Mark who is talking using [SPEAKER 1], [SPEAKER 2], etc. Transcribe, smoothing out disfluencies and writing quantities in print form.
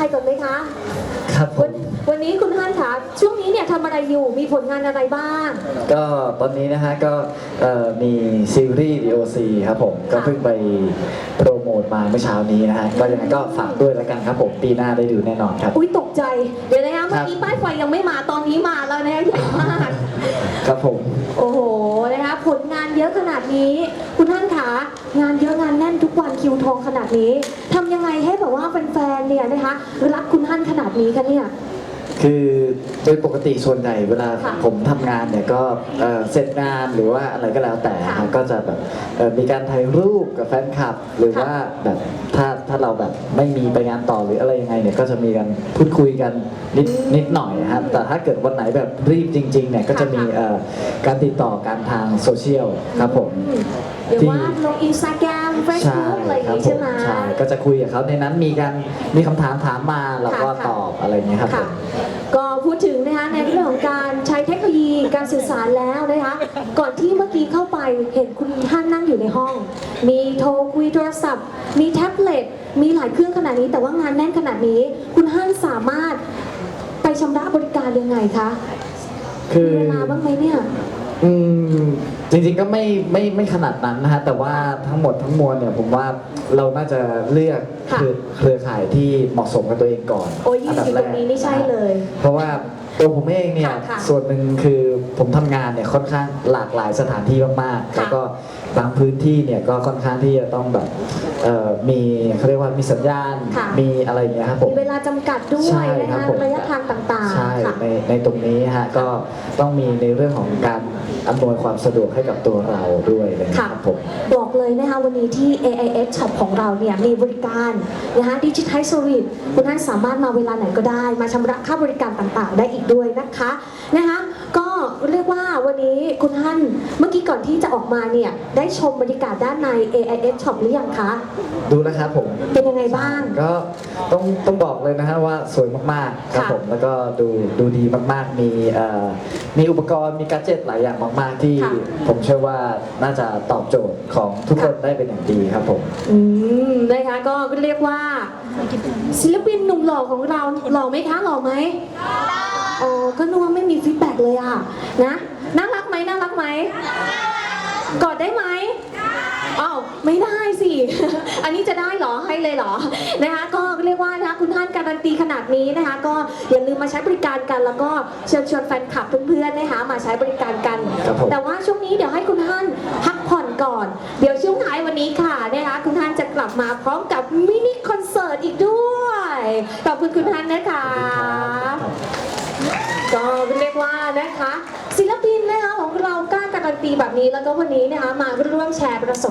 [SPEAKER 1] ายก่อนไหมคะ
[SPEAKER 2] ครับผม
[SPEAKER 1] วันนี้คุณฮั่นคะช่วงนี้เนี่ยทำอะไรอยู่มีผลงานอะไรบ้าง
[SPEAKER 2] ก็ตอนนี้นะฮะก็มีซีรีส์ DOC ครับผมก็เพิ่งไปโปรโมทมาเมื่อเช้านี้นะฮะก็ยังไงก็ฝากด้วยแล้วกันครับผมปีหน้าได้ดูแน่นอนครับ
[SPEAKER 1] อุ้ยตกใจเดี๋ยวนะคะเมื่อกี้ป้ายไฟยังไม่มาตอนนี้มาแล้วนะคะใหญ่มาก
[SPEAKER 2] ครับผม
[SPEAKER 1] โอ้โหนะคะผลงานเยอะขนาดนี้คุณท่านคะงานเยอะงานแน่นทุกวันคิวทองขนาดนี้ทำยังไงให้แบบว่าแฟนๆเนี่ยนะคะรักคุณท่านขนาดนี้คะเนี่ย
[SPEAKER 2] คือโดยปกติส่วนใหญ่เวลาผมทำงานเนี่ยก็เสร็จงานหรือว่าอะไรก็แล้วแต่ก็จะแบบมีการถ่ายรูปกับแฟนคลับหรือว่าแบบถ้าเราแบบไม่มีไปงานต่อหรืออะไรยังไงเนี่ยก็จะมีการพูดคุยกันนิดหน่อยครับแต่ถ้าเกิดวันไหนแบบรีบจริงๆเนี่ยก็จะมีการติดต่อกันทางโซเชียลครับผม
[SPEAKER 1] เดี๋ยวว่าลงอินสตาแกรมเฟซบุ๊กอะไรอย่างนี้ใช่ไหม
[SPEAKER 2] ใช่ก็จะคุยกับเขาในนั้นมีคำถามมาเราก็ตอบอะไรอย่างเงี้ยครับ
[SPEAKER 1] ก็พูดถึงนะคะในเรื่องของการใช้เทคโนโลยีการสื่อสารแล้วนะคะก่อนที่เมื่อกี้เข้าไปเห็นคุณท่านนั่งอยู่ในห้องมีโทรคุยโทรศัพท์มีแท็บเล็ตมีหลายเครื่องขนาดนี้แต่ว่างานแน่นขนาดนี้คุณท่านสามารถไปชำระบริการยังไงคะ
[SPEAKER 2] คือ
[SPEAKER 1] มีเวลาบ้างไหมเนี่ย
[SPEAKER 2] จริงๆก็ไม่ขนาดนั้นนะฮะแต่ว่าทั้งหมดทั้งมวลเนี่ยผมว่าเราน่าจะเลือกเครือข่ายที่เหมาะสมกับตัวเองก่อน
[SPEAKER 1] โอ้ยยิ่งอยู่ตรงนี้นี่ใช่เลย
[SPEAKER 2] เพราะว่าตัวผมเองเนี่ยส่วนหนึ่งคือผมทำงานเนี่ยค่อนข้างหลากหลายสถานที่มากๆแล้วก็บางพื้นที่เนี่ยก็ค่อนข้างที่จะต้องแบบมีเขาเรียกว่ามีสัญญาณมีอะไรอย่างเงี้ยครับผม
[SPEAKER 1] มีเวลาจำกัดด้วยนะคะระยะทางต่างๆ
[SPEAKER 2] ใช่ในตรงนี้ฮะก็ต้องมีในเรื่องของการอำนวยความสะดวกให้กับตัวเราด้วยนะครับผม
[SPEAKER 1] บอกเลยนะคะวันนี้ที่ AIS Shop ของเราเนี่ยมีบริการนะคะดิจิทัลเซอร์วิสคุณท่านสามารถมาเวลาไหนก็ได้มาชำระค่าบริการต่างๆได้อีกด้วยนะคะก็เรียกว่าวันนี้คุณท่านเมื่อกี้ก่อนที่จะออกมาเนี่ยได้ชมบรรยากาศด้านใน AIS Shop หรือยังคะ
[SPEAKER 2] ดูแล้วครับผม
[SPEAKER 1] เป็นยังไงบ้าง
[SPEAKER 2] ก็ต้องบอกเลยนะฮะว่าสวยมากๆครับผมแล้วก็ดูดีมากๆมีอุปกรณ์มีแกดเจ็ตหลายอย่างมากๆที่ผมเชื่อว่าน่าจะตอบโจทย์ของทุกคนได้เป็นอย่างดีครับผม
[SPEAKER 1] นะคะก็เรียกว่าศิลปินหนุ่มหล่อของเราหล่อไหมคะหล่อไหมอ๋อก็นึกว่าไม่มีฟีดแบ็กเลยอะนะน่ารักไหมน่ารักไหมกอดได้ไหมอ้าวไม่ได้สิ อันนี้จะได้เหรอให้เลยเหรอนะคะก็เรียกว่านะคุณท่านการันตีขนาดนี้นะคะก็อย่าลืมมาใช้บริการกันแล้วก็เชิญชวนแฟนคลับเพื่อนๆนะคะมาใช้บริการกันแต่ว่าช่วงนี้เดี๋ยวให้คุณท่านพักผ่อนก่อนเดี๋ยวช่วงท้ายวันนี้ค่ะนะคะคุณท่านจะกลับมาพร้อมกับมินิคอนเสิร์ตอีกด้วยขอบคุณคุณท่านนะคะก็เรียกว่านะคะศิลปินนะคะของเรากล้าการันตีแบบนี้แล้วก็วันนี้นะคะมาร่วมแชร์ประสบ